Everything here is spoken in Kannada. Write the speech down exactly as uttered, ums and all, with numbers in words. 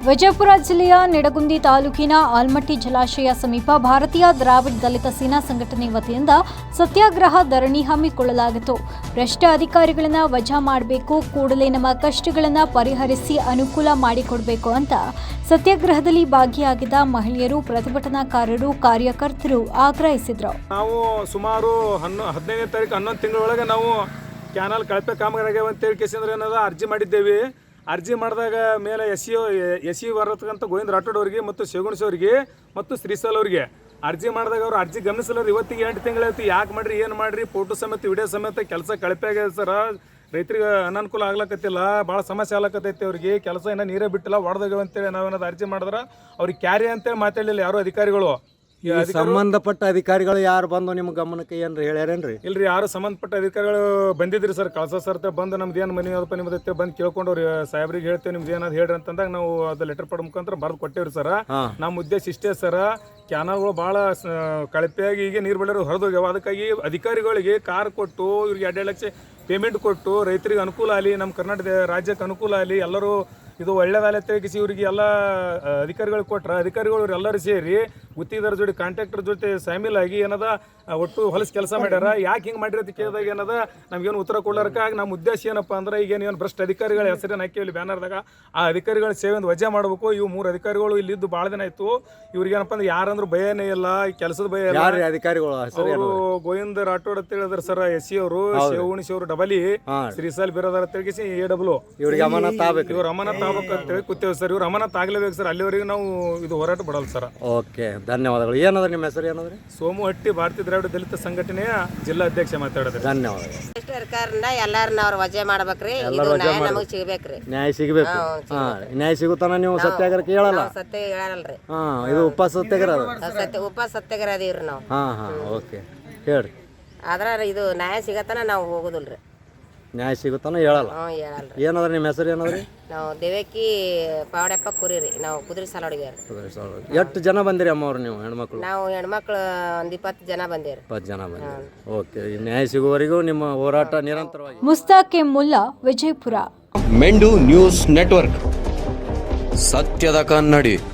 ವಿಜಯಪುರ ಜಿಲ್ಲೆಯ ನಿಡಗುಂದಿ ತಾಲೂಕಿನ ಆಲ್ಮಟ್ಟಿ ಜಲಾಶಯ ಸಮೀಪ ಭಾರತೀಯ ದ್ರಾವಿಡ್ ದಲಿತ ಸೇನಾ ಸಂಘಟನೆ ವತಿಯಿಂದ ಸತ್ಯಾಗ್ರಹ ಧರಣಿ ಹಮ್ಮಿಕೊಳ್ಳಲಾಗಿತ್ತು. ಭ್ರಷ್ಟ ಅಧಿಕಾರಿಗಳನ್ನು ವಜಾ ಮಾಡಬೇಕು, ಕೂಡಲೇ ನಮ್ಮ ಕಷ್ಟಗಳನ್ನು ಪರಿಹರಿಸಿ ಅನುಕೂಲ ಮಾಡಿಕೊಡಬೇಕು ಅಂತ ಸತ್ಯಾಗ್ರಹದಲ್ಲಿ ಭಾಗಿಯಾಗಿದ್ದ ಮಹಿಳೆಯರು, ಪ್ರತಿಭಟನಾಕಾರರು, ಕಾರ್ಯಕರ್ತರು ಆಗ್ರಹಿಸಿದರು. ನಾವು ಸುಮಾರು ಹನ್ನೊ ಹದಿನೈದನೇ ತಾರೀಕು ಹನ್ನೊಂದು ತಿಂಗಳೊಳಗೆ ನಾವು ಕ್ಯಾನಲ್ ಕಳಪೆ ಕಾಮಗಾರಿ ಅಂತೇಳಿ ಕೇಸಿಂದ್ರೆ ಏನದ ಅರ್ಜಿ ಮಾಡಿದ್ದೇವೆ. ಅರ್ಜಿ ಮಾಡಿದಾಗ ಮೇಲೆ ಎಸ್ ಸಿ ಎಸ್ ಸಿ ಬರತಕ್ಕಂಥ ಗೋವಿಂದ ರಾಠೋಡ್ ಅವರಿಗೆ ಮತ್ತು ಶಿವಗುಣಸ್ ಅವರಿಗೆ ಮತ್ತು ಶ್ರೀಸಾಲ್ ಅವರಿಗೆ ಅರ್ಜಿ ಮಾಡಿದಾಗ ಅವರು ಅರ್ಜಿ ಗಮನಿಸಲ್ಲ. ಇವತ್ತಿಗೆ ಎಂಟು ತಿಂಗಳಾಯ್ತು, ಯಾಕೆ ಮಾಡ್ರಿ ಏನು ಮಾಡ್ರಿ, ಫೋಟೋ ಸಮೇತ ವಿಡಿಯೋ ಸಮೇತ ಕೆಲಸ ಕಳಪೆ ಆಗಿದೆ ಸರ. ರೈತರಿಗೆ ಅನಾನುಕೂಲ ಆಗ್ಲಕತ್ತಿಲ್ಲ, ಭಾಳ ಸಮಸ್ಯೆ ಆಗ್ಲಕತ್ತೈತಿ. ಅವ್ರಿಗೆ ಕೆಲಸ ಏನೋ ನೀರೇ ಬಿಟ್ಟಿಲ್ಲ, ಹೊಡೆದಾಗ ಅಂತೇಳಿ ನಾವೇನಾದ್ರು ಅರ್ಜಿ ಮಾಡಿದ್ರೆ ಅವ್ರಿಗೆ ಕ್ಯಾರಿ ಅಂತೇಳಿ ಮಾತಾಡಲಿಲ್ಲ ಯಾರು ಅಧಿಕಾರಿಗಳು. ಸಂಬಂಧಪಟ್ಟ ಅಧಿಕಾರಿಗಳು ಯಾರು ಬಂದು ನಿಮ್ಮ ಗಮನಕ್ಕೆ ಏನ್ರಿ ಹೇಳ್ಯಾರೇನ್ರಿ? ಇಲ್ರಿ, ಯಾರು ಸಂಬಂಧಪಟ್ಟ ಅಧಿಕಾರಿಗಳು ಬಂದಿದ್ರಿ ಸರ್. ಕಳಸ ಸರ್ತೆ ಬಂದು ನಮ್ದು ಏನು ಮನೆ ಅದಪ್ಪ ನಿಮ್ಮದೈತೆ ಬಂದು ಕೇಳ್ಕೊಂಡು ಅವ್ರು ಸಾಹೇಬ್ರಿಗೆ ಹೇಳ್ತೇವೆ, ನಿಮ್ದು ಏನಾದ್ರು ಹೇಳ್ರಿ ಅಂತಂದಾಗ ನಾವು ಅದು ಲೆಟರ್ ಪಡ ಮುಖಾಂತರ ಬರೆದು ಕೊಟ್ಟೇವ್ರಿ ಸರ. ನಮ್ಮ ಉದ್ದೇಶ ಇಷ್ಟೇ ಸರ, ಕ್ಯಾನಲ್ಗಳು ಭಾಳ ಕಳಪೆಯಾಗಿ ಈಗ ನೀರು ಬಿಡೋರು ಹೊರದೋಗ್ಯಾವ. ಅದಕ್ಕಾಗಿ ಅಧಿಕಾರಿಗಳಿಗೆ ಕಾರ್ ಕೊಟ್ಟು ಇವ್ರಿಗೆ ಎರಡು ಲಕ್ಷ ಪೇಮೆಂಟ್ ಕೊಟ್ಟು ರೈತರಿಗೆ ಅನುಕೂಲ ಆಗಲಿ, ನಮ್ಮ ಕರ್ನಾಟಕ ರಾಜ್ಯಕ್ಕೆ ಅನುಕೂಲ ಆಗಲಿ, ಎಲ್ಲರೂ ಇದು ಒಳ್ಳೆದಾಲೆ ತೆಗಿಸಿ ಇವ್ರಿಗೆ ಎಲ್ಲ ಅಧಿಕಾರಿಗಳು ಕೊಟ್ರ. ಅಧಿಕಾರಿಗಳು ಎಲ್ಲರೂ ಸೇರಿ ಗುತ್ತಿಗೆದಾರ ಜೊತೆ ಕಾಂಟ್ರಾಕ್ಟರ್ ಜೊತೆ ಶಾಮೀಲಾಗಿ ಏನದ ಒಟ್ಟು ಹೊಲಸು ಕೆಲಸ ಮಾಡ್ಯಾರ. ಯಾಕೆ ಹಿಂಗೆ ಮಾಡಿರಿ ಅಂತ ಕೇಳಿದಾಗ ಏನದ ನಮ್ಗೇನು ಉತ್ತರ ಕೊಡ್ಲಾರಕ್ಕಾಗಿ ನಮ್ಮ ಉದ್ದೇಶ ಏನಪ್ಪ ಅಂದ್ರೆ ಈಗೇನು ಏನು ಭ್ರಷ್ಟ ಅಧಿಕಾರಿಗಳ ಹೆಸರೇನು ಹಾಕಿವಿ ಬ್ಯಾನರ್ದಾಗ, ಆ ಅಧಿಕಾರಿಗಳ ಸೇವೆಯನ್ನು ವಜಾ ಮಾಡಬೇಕು. ಇವು ಮೂರು ಅಧಿಕಾರಿಗಳು ಇಲ್ಲಿದ್ದು ಭಾಳ ದಿನ ಆಯ್ತು. ಇವ್ರಿಗೆ ಏನಪ್ಪ ಅಂದ್ರೆ ಯಾರಂದ್ರೂ ಭಯನೇ ಇಲ್ಲ, ಕೆಲಸದ ಭಯ ಇಲ್ಲ. ಅಧಿಕಾರಿಗಳು ಅವರು ಗೋವಿಂದ ರಾಠೋಡ್ ಅಂತ ಹೇಳಿದ್ರು ಸರ್, ಎಸ್ ಸಿ ಅವರು, ಶಿವಗುಣಸ್ ಅವರು ಡಬಲಿ, ಶ್ರೀಸಾಲ್ ಬಿರೋದಾರ ತಿಳಿಸಿ ಎ ಡಬ್ಲು. ಇವ್ರಿಗೆ ಅಮಾನತ್ ಆಗ್ಬೇಕು, ಇವ್ರು ಅಮಾನತ್ ಆಗ್ಬೇಕು ಅಂತೇಳಿ ಕೂತೇವೆ ಸರ್. ಇವ್ರು ಅಮಾನತ್ ಆಗ್ಲೇಬೇಕು ಸರ್, ಅಲ್ಲಿವರೆಗೆ ನಾವು ಇದು ಹೋರಾಟ ಬಿಡಲ್ಲ ಸರ್. ಓಕೆ, ಧನ್ಯವಾದಗಳು. ಏನದ ನಿಮ್ಮ ಹೆಸರು ಏನದ್ರಿ? ಸೋಮುಹಟ್ಟಿ ಭಾರತೀಯ ದ್ರಾವಿಡ ದಲಿತ ಸಂಘಟನೆಯ ಜಿಲ್ಲಾ ಅಧ್ಯಕ್ಷ ಮಾತಾಡಿದ್ರೆ. ಧನ್ಯವಾದಗಳು. ಸರ್ಕಾರನ ಎಲ್ಲಾರನ್ನ ಅವ್ರ ವಜಾ ಮಾಡ್ಬೇಕ್ರಿ, ನಮಗ್ ಸಿಗ್ಬೇಕ್ರಿ, ನ್ಯಾಯ ಸಿಗಬೇಕು. ಹಾ, ನ್ಯಾಯ ಸಿಗುತ್ತಾನ ನೀವು ಸತ್ಯಾಗ್ರಹಕ್ಕೆ ಹೇಳಲ್ಲ? ಸತ್ಯ ಹೇಳಲ್ರಿ. ಹಾ, ಇದು ಉಪ ಸತ್ಯಾಗ್ರಹ, ಸತ್ಯ ಉಪ ಸತ್ಯಾಗ್ರಹ ಅದೀವ್ರಿ ನಾವು. ಹಾ ಹಾ ಓಕೆ, ಹೇಳ್ರಿ. ಆದ್ರ ಇದು ನ್ಯಾಯ ಸಿಗತನ ನಾವು ಹೋಗುದಿಲ್ರಿ. ನ್ಯಾಯ ಸಿಗುತ್ತಾನ ಹೇಳಲ್ಲ? ಹ್ಞೂ ಹೇಳಲ್ರಿ. ಏನದ್ರಿ ನಿಮ್ಮ ಹೆಸರು ಏನದ್ರಿ? ನಾವು ದೇವಕಿ ಪಾವಡೆಪ್ಪ ಕುರಿರಿ, ನಾವು ಕುದುರೆ ಸಾಲೋಡಿಗೆ. ಎಷ್ಟು ಜನ ಬಂದಿರಿ ಅಮ್ಮವ್ರು ನೀವು ಹೆಣ್ಮಕ್ಳು? ನಾವು ಹೆಣ್ಮಕ್ಳು ಒಂದು ಇಪ್ಪತ್ತು ಜನ ಬಂದೇವ್ರಿ. ಇಪ್ಪತ್ತು ಜನ ಬಂದಿರಿ. ಓಕೆ, ನ್ಯಾಯ ಸಿಗುವವರೆಗೂ ನಿಮ್ಮ ಹೋರಾಟ ನಿರಂತರವಾಗಿ. ಮುಸ್ತಾಕ್ ಎಂ ಮುಲ್ಲಾ, ವಿಜಯಪುರ. ಮೆಂಡು ನ್ಯೂಸ್ ನೆಟ್ವರ್ಕ್, ಸತ್ಯದ ಕನ್ನಡಿ.